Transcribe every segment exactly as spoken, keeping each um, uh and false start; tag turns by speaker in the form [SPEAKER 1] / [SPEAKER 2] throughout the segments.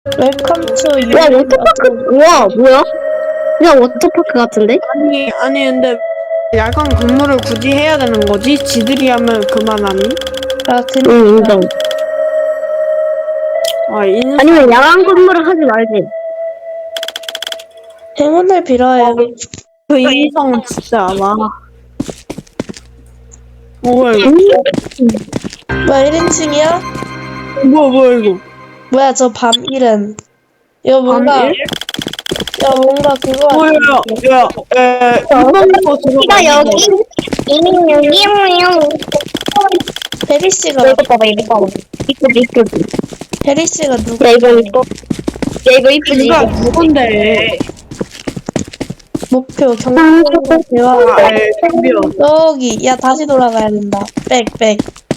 [SPEAKER 1] 웰컴 투 유.
[SPEAKER 2] 와 워터파크. 와 뭐야? 그냥 워터파크 같은데?
[SPEAKER 3] 아니 아니 근데 야간 근무를 굳이 해야 되는 거지? 지들이 하면 그만하니?
[SPEAKER 1] 아, 근
[SPEAKER 2] 응 인정.
[SPEAKER 3] 아 인사
[SPEAKER 2] 아니면 야간 근무를 하지 말지.
[SPEAKER 1] 행운을 빌어요.
[SPEAKER 3] 그 인성 진짜 와. 뭐야 이거?
[SPEAKER 1] 뭐야, 일 인칭이야?
[SPEAKER 3] 뭐야 뭐야 이거?
[SPEAKER 1] 뭐야, 저 밤 일은. 이거 뭔가,
[SPEAKER 3] 밤일?
[SPEAKER 1] 야, 뭔가 그거
[SPEAKER 3] 뭐야
[SPEAKER 1] 같은데.
[SPEAKER 3] 야, 에 이번 거 들어가.
[SPEAKER 2] 키가 여기. 이용이용.
[SPEAKER 1] 혜리 씨가,
[SPEAKER 2] 이거 봐봐 이거 봐봐. 이쁘지 이쁘지.
[SPEAKER 1] 혜리 씨가 누구?
[SPEAKER 2] 야 이거 이뻐. 야 이거 이쁘지
[SPEAKER 3] 누가
[SPEAKER 2] 이거.
[SPEAKER 3] 누군데?
[SPEAKER 1] 목표, 경쟁과 대화.
[SPEAKER 3] 아, 에 덤벼.
[SPEAKER 1] 저기, 야, 다시 돌아가야 된다. 백, 백.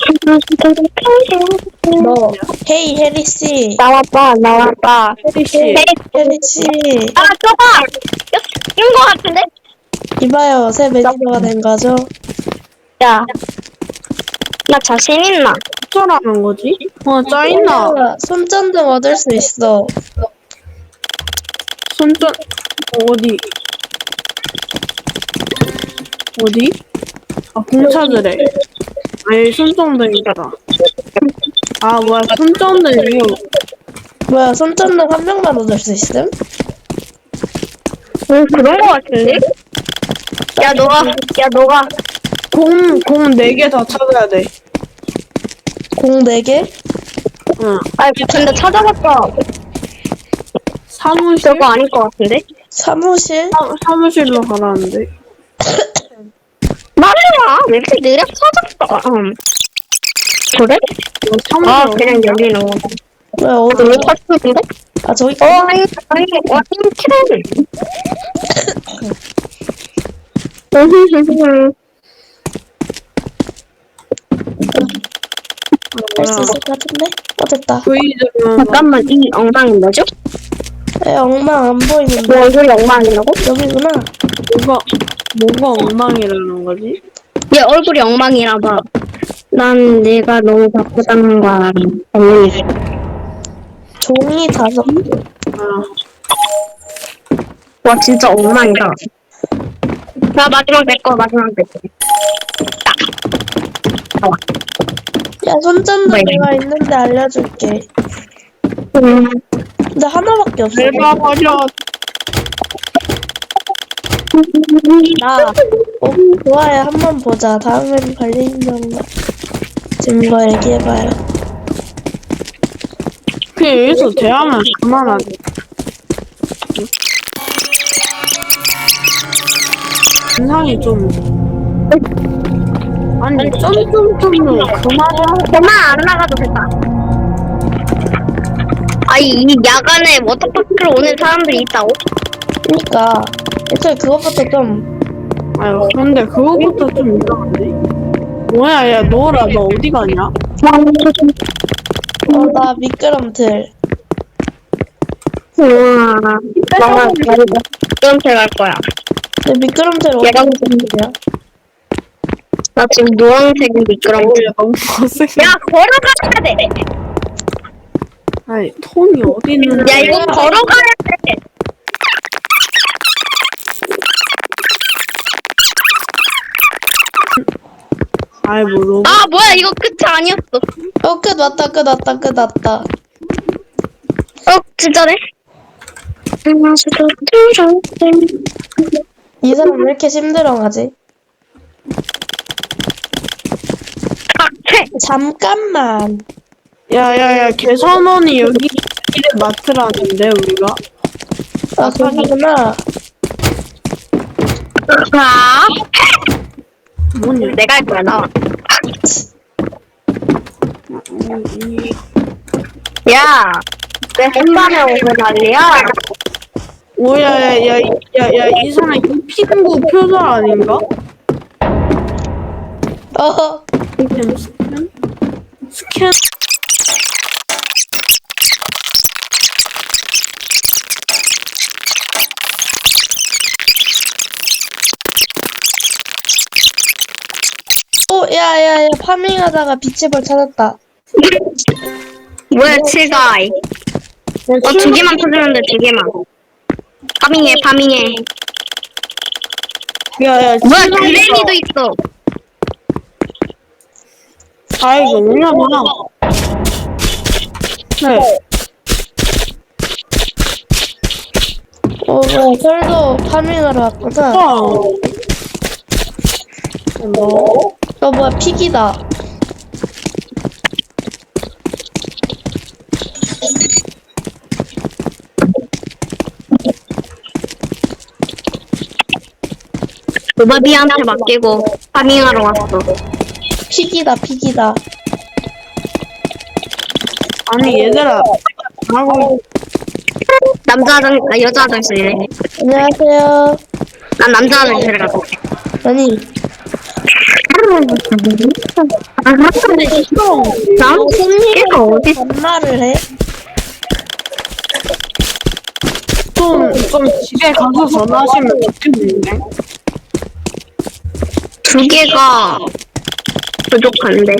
[SPEAKER 1] 너, 헤이, 혜리 씨.
[SPEAKER 2] 나와봐 나와봐.
[SPEAKER 3] 혜리 씨.
[SPEAKER 1] 혜리 씨.
[SPEAKER 2] 아 저거. 낀거 같은데?
[SPEAKER 1] 이봐요, 새 매니저가 된 거죠?
[SPEAKER 2] 야. 나 자신 있나?
[SPEAKER 3] 어쩌라는 거지? 어 짜있나?
[SPEAKER 1] 야, 손전등 얻을 수 있어.
[SPEAKER 3] 손전 어디? 어디? 아 공차들에. 아니 손전등이다. 아 뭐야 손전등이요?
[SPEAKER 1] 뭐야, 손전등 한 명만 얻을 수 있음?
[SPEAKER 2] 응 그런 거 같은데? 야 너가 야 너가
[SPEAKER 3] 공공 네 개 다 찾아야 돼.
[SPEAKER 1] 공 네 개?
[SPEAKER 3] 응.
[SPEAKER 2] 아 근데 찾아봤자
[SPEAKER 3] 사무실
[SPEAKER 2] 저거 아닐 것 같은데?
[SPEAKER 1] 사무실?
[SPEAKER 3] 사, 사무실로 가라는데.
[SPEAKER 2] 말해라 왜 이렇게 느려 찾았어? 응. 그래?
[SPEAKER 3] 뭐 사무실
[SPEAKER 2] 아
[SPEAKER 3] 어디-
[SPEAKER 2] 그냥 여기 넣어.
[SPEAKER 1] 뭐야, 어디?
[SPEAKER 2] 왜 찾았는데?
[SPEAKER 1] 아, 저기,
[SPEAKER 2] 어 아니 아니 와 키를.
[SPEAKER 1] 할 수 있을 것 같은데? 어, 됐다.
[SPEAKER 3] 브이즈는
[SPEAKER 2] 잠깐만 이 엉망이 뭐죠?
[SPEAKER 1] 에, 엉망 안 보이는데.
[SPEAKER 2] 뭐 얼굴이 엉망이라고?
[SPEAKER 1] 여기구나.
[SPEAKER 3] 뭐가 뭐가 엉망이라는 거지?
[SPEAKER 2] 얘 얼굴이 엉망이라 봐. 난 내가 너무 바쁘다는 거 알아. 당연히.
[SPEAKER 1] 종이 다섯 개.
[SPEAKER 3] 아
[SPEAKER 2] 와 진짜 엉망이다. 자 마지막 내 거 마지막 내 거.
[SPEAKER 1] 야, 손전등
[SPEAKER 2] 뭐야?
[SPEAKER 1] 내가 있는데 알려줄게.
[SPEAKER 2] 음.
[SPEAKER 1] 근데 하나밖에 없어.
[SPEAKER 3] 내가 버려.
[SPEAKER 1] 나, 어, 좋아요. 한번 보자. 다음엔 관련 증거, 증거 얘기해봐요.
[SPEAKER 3] 그냥 여기서 대하면 그만하지. 인상이 좀 아니 점점점으로 그만하고.
[SPEAKER 2] 그만 안 나가도 됐다. 아니 이 야간에 워터파크를 오는 사람들이 있다고?
[SPEAKER 1] 그니까, 애초에 그것부터 좀,
[SPEAKER 3] 아유 근데 그거부터 좀 이상한데. 뭐야 야 너라 너 어디 가냐?
[SPEAKER 1] 어, 나 미끄럼틀.
[SPEAKER 2] 우와. 나만 미끄럼틀 갈 거야.
[SPEAKER 1] 근데 미끄럼틀 어디
[SPEAKER 2] 얘가
[SPEAKER 1] 미끄럼틀이야?
[SPEAKER 2] 나 지금 노란색 미끄럼틀.
[SPEAKER 3] 야 너무 거슬.
[SPEAKER 2] 야 걸어가야 돼.
[SPEAKER 3] 아니 톤이 어디 있는데?
[SPEAKER 2] 야 이건 걸어가야 돼.
[SPEAKER 3] 아이 뭐 로봇.
[SPEAKER 2] 아 뭐야 이거 끝이 아니었어.
[SPEAKER 1] 어, 끝 왔다, 끝 왔다, 끝 왔다.
[SPEAKER 2] 어 진짜네.
[SPEAKER 1] 이 사람 왜 이렇게 힘들어하지? 잠깐만.
[SPEAKER 3] 야야야 개선원이 여기 일에 맡으라는데 우리가.
[SPEAKER 1] 아, 거기구나.
[SPEAKER 2] 자,
[SPEAKER 3] 뭐냐?
[SPEAKER 2] 내가 할 거야 나와. 야, 내 햇반에 오면 난리야.
[SPEAKER 3] 오야야야야야 이 사람 이 피부 표절 아닌가?
[SPEAKER 1] 어,
[SPEAKER 3] 스캔 스캔 스캔.
[SPEAKER 1] 어, 야, 야, 야, 파밍하다가 빛의 벌 찾았다.
[SPEAKER 2] 뭐야 칠가이. 어, 두 개만 터지면 돼, 두 개만. 파밍해, 파밍해.
[SPEAKER 3] 야야
[SPEAKER 2] 뭐야, 그레니도 있어.
[SPEAKER 3] 아 이거 뭐냐구나. 네.
[SPEAKER 1] 어, 뭐야, 설도 파밍하러 왔구나.
[SPEAKER 3] 와. 뭐?
[SPEAKER 1] 어, 뭐야, 픽이다.
[SPEAKER 2] 루바비한테 맡기고 파밍하러 왔어.
[SPEAKER 1] 픽이다, 픽이다.
[SPEAKER 3] 아니 얘들아. 하고
[SPEAKER 2] 남자 화장, 아, 여자 화장실이래.
[SPEAKER 1] 안녕하세요.
[SPEAKER 2] 난 남자 화장실에 갔어.
[SPEAKER 1] 아니,
[SPEAKER 2] 난 걔가 어디
[SPEAKER 1] 반말을 해?
[SPEAKER 3] 좀, 좀 집에 가서 전화하시면 좋겠는데?
[SPEAKER 2] 두 개가 부족한데.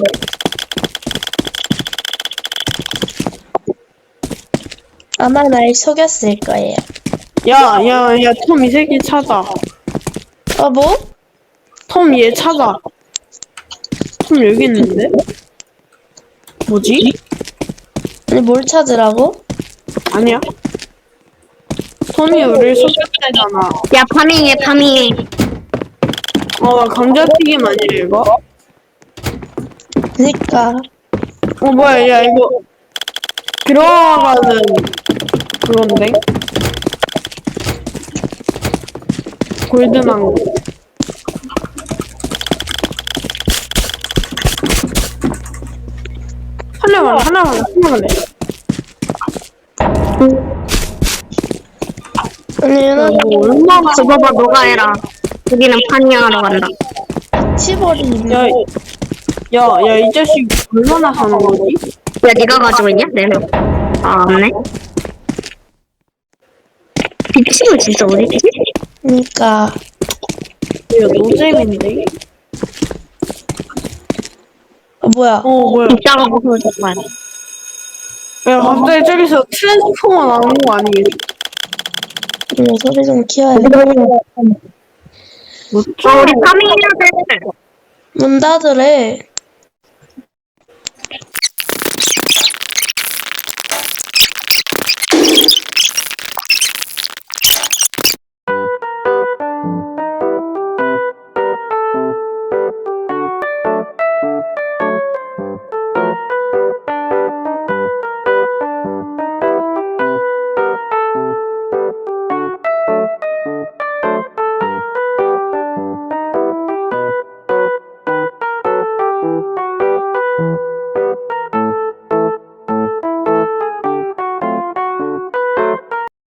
[SPEAKER 1] 아마 날 속였을 거예요.
[SPEAKER 3] 야, 야, 야, 톰 이 새끼 찾아.
[SPEAKER 1] 어, 뭐?
[SPEAKER 3] 톰 얘 찾아. 톰 여기 있는데? 뭐지?
[SPEAKER 1] 아니, 뭘 찾으라고?
[SPEAKER 3] 아니야. 톰이 우리를 속였대잖아.
[SPEAKER 2] 야, 파밍해, 파밍해.
[SPEAKER 3] 어, 감자튀김 아니야, 이거?
[SPEAKER 1] 그니까.
[SPEAKER 3] 어, 뭐야, 야, 이거. 들어가는 그건데? 골드망고. 하나만, 하나만, 하나만 해.
[SPEAKER 1] 아니, 나
[SPEAKER 3] 뭐, 얼마나.
[SPEAKER 2] 그거 봐, 너가 해라. 여기는 파밍하러 간다.
[SPEAKER 1] 치버리는데.
[SPEAKER 3] 야, 야, 야, 이 자식 얼마나 사는 거지?
[SPEAKER 2] 야, 네가 가지고 있냐? 네 명. 아, 없네. 미친은 진짜 어디지?
[SPEAKER 1] 그니까.
[SPEAKER 3] 야, 노잼인데?
[SPEAKER 1] 어, 뭐야.
[SPEAKER 3] 어, 뭐야.
[SPEAKER 2] 이따가 보고 정말.
[SPEAKER 3] 야, 갑자기 저기서 트랜스포머 나오는 거 아니겠지?
[SPEAKER 1] 음, 소리 좀 키워야 돼.
[SPEAKER 3] 뭐,
[SPEAKER 2] 어, 우리 파밍해야 돼.
[SPEAKER 1] 문 닫으래.